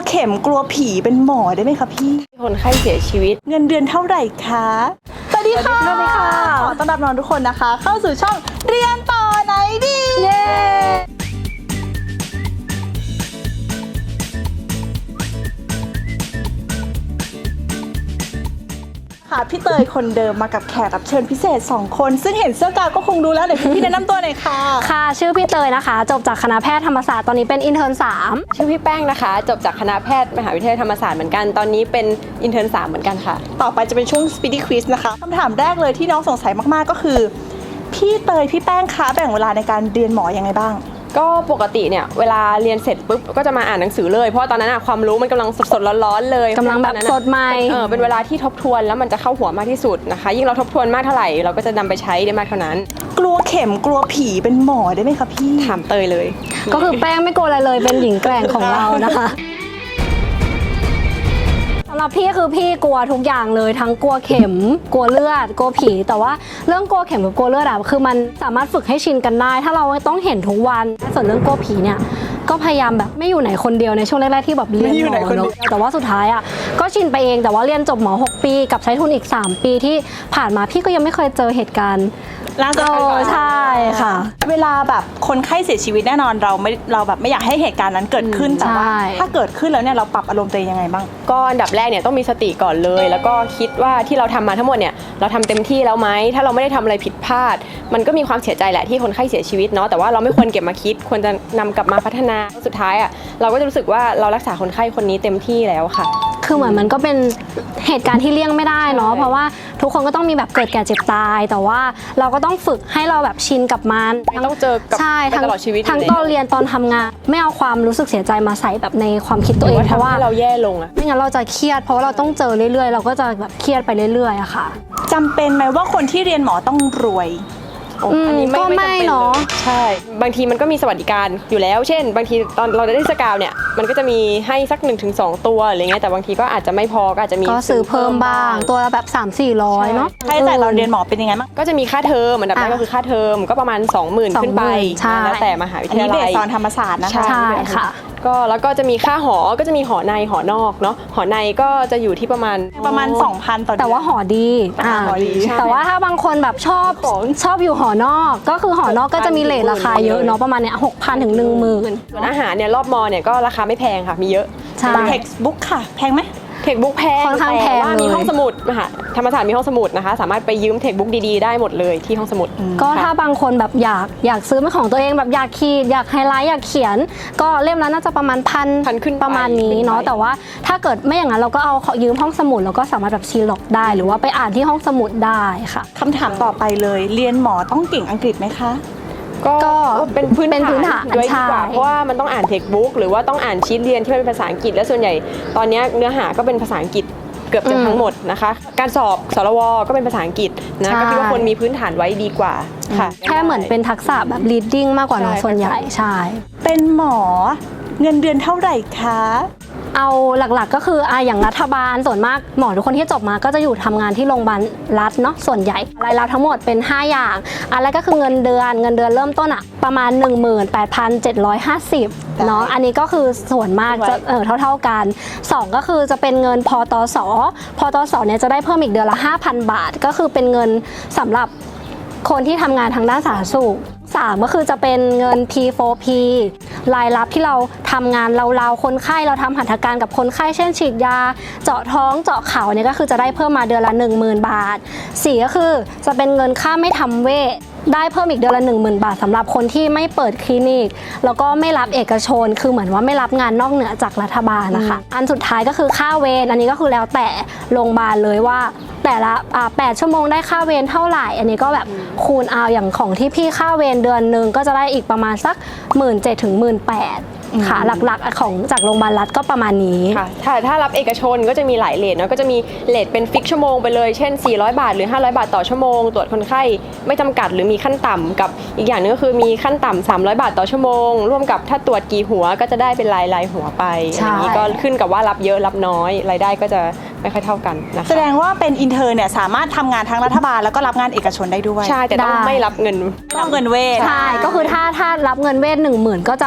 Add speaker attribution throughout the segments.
Speaker 1: เข็มกลัวผีเป็นหมอได้ไหมคะพี่
Speaker 2: คนไข้เสียชีวิต
Speaker 1: เงินเดือนเท่าไหร่คะสวัสดีค่ะขอต้อนรับน้องทุกคนนะคะเข้าสู่ช่องเรียนต่อไหนดีเย้ค่ะพี่เตยคนเดิมมากับแขกรับเชิญพิเศษ2คนซึ่งเห็นเสื้อกาวก็คงรู้แล้วเดี๋ยวพี่แนะนำตัวหน่อยค่ะ
Speaker 3: ค่ะชื่อพี่เตยนะคะจบจากคณะแพทย์ธรรมศาสตร์ตอนนี้เป็นอินเทอร์น3
Speaker 2: ชื่อพี่แป้งนะคะจบจากคณะแพทย์มหาวิทยาลัยธรรมศาสตร์เหมือนกันตอนนี้เป็นอินเทอร์น3เหมือนกันค่ะ
Speaker 1: ต่อไปจะเป็นช่วง Speedy Quiz นะคะคำถามแรกเลยที่น้องสงสัยมากๆก็คือพี่เตยพี่แป้งคะแบ่งเวลาในการเรียนหมอยังไงบ้าง
Speaker 2: ก็ปกติเนี่ยเวลาเรียนเสร็จปุ๊บก็จะมาอ่านหนังสือเลยเพราะตอนนั้นความรู้มันกำลังสดๆร้อนๆเลย
Speaker 3: กำลังแบบสดใหม่
Speaker 2: เป็นเวลาที่ทบทวนแล้วมันจะเข้าหัวมากที่สุดนะคะยิ่งเราทบทวนมากเท่าไหร่เราก็จะนำไปใช้ได้มากเท่านั้น
Speaker 1: กลัวเข็มกลัวผีเป็นหมอได้ไหมคะพี่
Speaker 2: ถามเตยเลย
Speaker 3: ก็คือแป้งไม่กลัวอะไรเลยเป็นหญิงแกร่งของเรานะคะสำหรับพี่คือพี่กลัวทุกอย่างเลยทั้งกลัวเข็มกลัวเลือดกลัวผีแต่ว่าเรื่องกลัวเข็มกับกลัวเลือดคือมันสามารถฝึกให้ชินกันได้ถ้าเราต้องเห็นทุกวันส่วนเรื่องกลัวผีเนี่ยก็พยายามแบบไม่อยู่ไหนคนเดียวในช่วงแรกๆที่แบบเรียนหมอเนอะแต่ว่าสุดท้ายก็ชินไปเองแต่ว่าเรียนจบหมอ6 ปีกับใช้ทุนอีก3 ปีที่ผ่านมาพี่ก็ยังไม่เคยเจอเหตุการณ์
Speaker 1: ล่าสุด
Speaker 3: ใช่ค่ะ
Speaker 1: เวลาแบบคนไข้เสียชีวิตแน่นอนเราแบบไม่อยากให้เหตุการณ์นั้นเกิดขึ้นแต่ว่าถ้าเกิดขึ้นแล้วเนี่ยเราปรับอารมณ์ตัวเองยังไงบ้าง
Speaker 2: ก็อันดับแรกเนี่ยต้องมีสติก่อนเลยแล้วก็คิดว่าที่เราทำมาทั้งหมดเนี่ยเราทำเต็มที่แล้วไหมถ้าเราไม่ได้ทำอะไรผิดพลาดมันก็มีความเสียใจแหละที่คนไข้เสียชีวิตเนาะแต่ว่าเราไม่ควรเก็บมาคิดควรจะนำกลับมาพัฒนาสุดท้ายเราก็จะรู้สึกว่าเรารักษาคนไข้คนนี้เต็มที่แล้วค่ะ
Speaker 3: คือเหมือนมันก็เป็นเหตุการณ์ที่เลี่ยงไม่ได้เนาะเพราะว่าทุกคนก็ต้องมีแบบเกิดแก่เจ็บตายแต่ว่าเราก็ต้องฝึกให้เราแบบชินกับมัน
Speaker 2: ต้องเจอกับตลอดชีวิต
Speaker 3: ทั้งตอนเรียนตอนทำงานไม่เอาความรู้สึกเสียใจมาใส่แบบในความคิดตัวเองเพราะว่า
Speaker 2: เราแย่ลง
Speaker 3: ไม่งั้นเราจะเครียดเพราะว่าเราต้องเจอเรื่อยๆเราก็จะแบบเครียดไปเรื่อยๆอะค่ะ
Speaker 1: จำเป็นไหมว่าคนที่เรียนหมอต้องรวย
Speaker 2: อันนี้ไม่จำเป็นเนาะใช่บางทีมันก็มีสวัสดิการอยู่แล้วเช่นบางทีตอนเราได้สกาวเนี่ยมันก็จะมีให้สัก 1-2 ตัวอะไรเงี้ยแต่บางทีก็อาจจะไม่พอก็อาจจะมี
Speaker 3: ก็ซื้อเพิ่มบ้างตัวแบบ 300-400เนาะ
Speaker 1: ค่าใช้จ่ายเราเรียนหมอเป็นยังไงบ้าง
Speaker 2: ก็จะมีค่าเทอมอันดับแรกก็คือค่าเทอมก็ประมาณ 20,000 ขึ้นไปแล้วแต่มหาวิทยาลัย
Speaker 1: อันนี้เบสตอนธรรมศาสตร์นะคะ
Speaker 3: ใช่ค่ะ
Speaker 2: ก็แล้วก็จะมีค่าหอก็จะมีหอในหอนอกเนาะหอในก็จะอยู่ที่ประมาณ
Speaker 1: 2,000 ต่อเดือน
Speaker 3: แต่ว่าหอดีแต่ว่าถ้าบางคนแบบชอบอยู่หอนอกก็คือหอนอกก็จะมีเรทราคาเยอะเนาะประมาณเนี่ย6,000 ถึง 10,000
Speaker 2: ส่วนอาหารเนี่ยรอบมอเนี่ยก็ราคาไม่แพงค่ะมีเยอะ
Speaker 3: ใช่
Speaker 1: textbook ค่ะแพงไหม
Speaker 2: เทคบุ๊กแพง
Speaker 3: ค่อนข้างแพง
Speaker 2: ว่ามีห้องสมุดนะคะธรรมศาสตร์มีห้องสมุดนะคะสามารถไปยืมเทคบุ๊กดีๆได้หมดเลยที่ห้องสมุด
Speaker 3: ก็ถ้าบางคนแบบอยากซื้อเป็นของตัวเองแบบอยากขีดอยากไฮไลท์อยากเขียนก็เล่มละน่าจะประมาณพัน
Speaker 2: ขึ้น
Speaker 3: ประมาณนี้เนาะแต่ว่าถ้าเกิดไม่อย่างนั้นเราก็เอายืมห้องสมุดแล้วก็สามารถแบบซีล็อกได้หรือว่าไปอ่านที่ห้องสมุดได้ค่ะ
Speaker 1: คำถามต่อไปเลยเรียนหมอต้องเก่งอังกฤษไหมคะ
Speaker 2: ก็เป็นพื้นฐานด้วยดีกว่าเพราะว่ามันต้องอ่านเทคบุ๊กหรือว่าต้องอ่านชีทเรียนที่เป็นภาษาอังกฤษและส่วนใหญ่ตอนนี้เนื้อหาก็เป็นภาษาอังกฤษเกือบจะทั้งหมดนะคะการสอบสรวก็เป็นภาษาอังกฤษนะก็คิดว่าคนมีพื้นฐานไว้ดีกว่าค่ะ
Speaker 3: แค่เหมือนเป็นทักษะแบบ reading มากกว่าเนาะส่วนใหญ่ใช่
Speaker 1: เป็นหมอเงินเดือนเท่าไหร่คะ
Speaker 3: เอาหลักๆก็คืออย่างรัฐบาลส่วนมากหมอทุกคนที่จบมาก็จะอยู่ทำงานที่โรงพยาบาลรัฐเนาะส่วนใหญ่รายรับทั้งหมดเป็น5อย่างอันแรกก็คือเงินเดือนเริ่มต้นประมาณ 18,750 เนาะอันนี้ก็คือส่วนมากจะเท่ากัน2ก็คือจะเป็นเงินพตสเนี่ยจะได้เพิ่มอีกเดือนละ 5,000 บาทก็คือเป็นเงินสำหรับคนที่ทำงานทางด้านสาธารณสุข3ก็คือจะเป็นเงิน P4P รายรับที่เราทำงานเราคนไข้เราทำหัตถการกับคนไข้เช่นฉีดยาเจาะท้องเจาะเข่าเนี่ยก็คือจะได้เพิ่มมาเดือนละ 10,000 บาท4ก็คือจะเป็นเงินค่าไม่ทำเวชได้เพิ่มอีกเดือนละ 10,000 บาทสำหรับคนที่ไม่เปิดคลินิกแล้วก็ไม่รับเอกชนคือเหมือนว่าไม่รับงานนอกเหนือจากรัฐบาลนะคะอันสุดท้ายก็คือค่าเวรอันนี้ก็คือแล้วแต่โรงพยาบาลเลยว่าแต่ละ8 ชั่วโมงได้ค่าเวรเท่าไหร่อันนี้ก็แบบคูณเอาอย่างของที่พี่ค่าเวรเดือนนึงก็จะได้อีกประมาณสัก 17,000 ถึง 18,000 ค่ะหลักๆของจากโรงพยาบาลรัฐก็ประมาณนี้
Speaker 2: ค่ะถ้ารับเอกชนก็จะมีหลายเรทเนาะก็จะมีเรทเป็นฟิกชั่วโมงไปเลยเช่น400 บาทหรือ500 บาทต่อชั่วโมงตรวจคนไข้ไม่จำกัดหรือมีขั้นต่ำกับอีกอย่างนึงก็คือมีขั้นต่ำ300 บาทต่อชั่วโมงร่วมกับถ้าตรวจกี่หัวก็จะได้เป็นรายหัวไปอย่างนี้ก็ขึ้นกับว่ารับเยอะรับน้อยรายได้ก็จะไม่ค่อยเท่ากันนะคะ
Speaker 1: แสดงว่าเป็นอินเทอร์เนี่ยสามารถทำงานทั้งรัฐบาลแล้วก็รับงานเอกชนได้ด้วย
Speaker 2: ใช่แต่ต้องไม่รับเงิน
Speaker 1: เวท
Speaker 3: ใช่ก็คือถ้ารับเงินเวท 10,000ก็จะ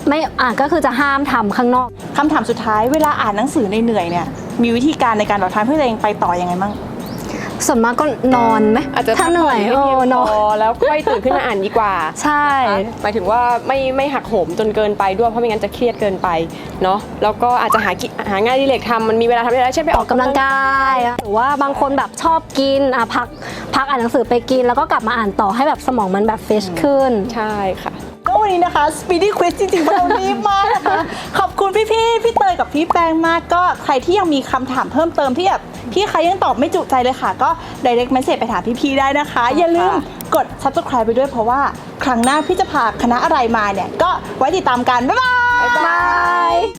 Speaker 3: ไม่ก็คือจะห้ามทำข้างนอก
Speaker 1: คำถามสุดท้ายเวลาอ่านหนังสือเหนื่อยๆเนี่ยมีวิธีการในการหล่อทานเพื่อตัวเองไปต่อยังไงบ้าง
Speaker 3: ส่วนมากก็นอนไหม
Speaker 2: อาจจะ
Speaker 3: ถ้าเหนื่อย
Speaker 2: พักผ่ให้เพียง
Speaker 3: น
Speaker 2: พ
Speaker 3: อน
Speaker 2: อแล้วค่อยตื่นขึ้นมาอ่านดีกว่า
Speaker 3: ใช่
Speaker 2: หมายถึงว่าไม่หักโหมจนเกินไปด้วยเพราะไม่งั้นจะเครียดเกินไปเนาะแล้วก็อาจจะหางานอดิเรกทำมันมีเวลาทำได้แล้วเช่นไป
Speaker 3: อ
Speaker 2: อ
Speaker 3: อ
Speaker 2: อก ก
Speaker 3: กำ
Speaker 2: กำ
Speaker 3: ลั
Speaker 2: ลั
Speaker 3: ง
Speaker 2: ง
Speaker 3: กายหรือว่าบางคนแบบชอบกินพักอ่านหนังสือไปกิน แล้วก็กลับมาอ่านต่อให้แบบสมองมันแบบเฟรชขึ้น
Speaker 2: ใช่ค่ะ
Speaker 1: ก็วันนี้นะคะ Speedy Quiz จริงๆเรารีบมากนะคะ ขอบคุณพี่เตยกับพี่แป้งมากก็ใครที่ยังมีคำถามเพิ่มเติมที่แบบพี่ใครยังตอบไม่จุใจเลยค่ะ ก็ direct message ไปถามพี่ได้นะคะ อย่าลืมกด subscribe ไปด้วยเพราะว่าครั้งหน้าพี่จะพาคณะอะไรมาเนี่ย ก็ไว้ติดตามกัน บ๊ายบาย
Speaker 3: บาย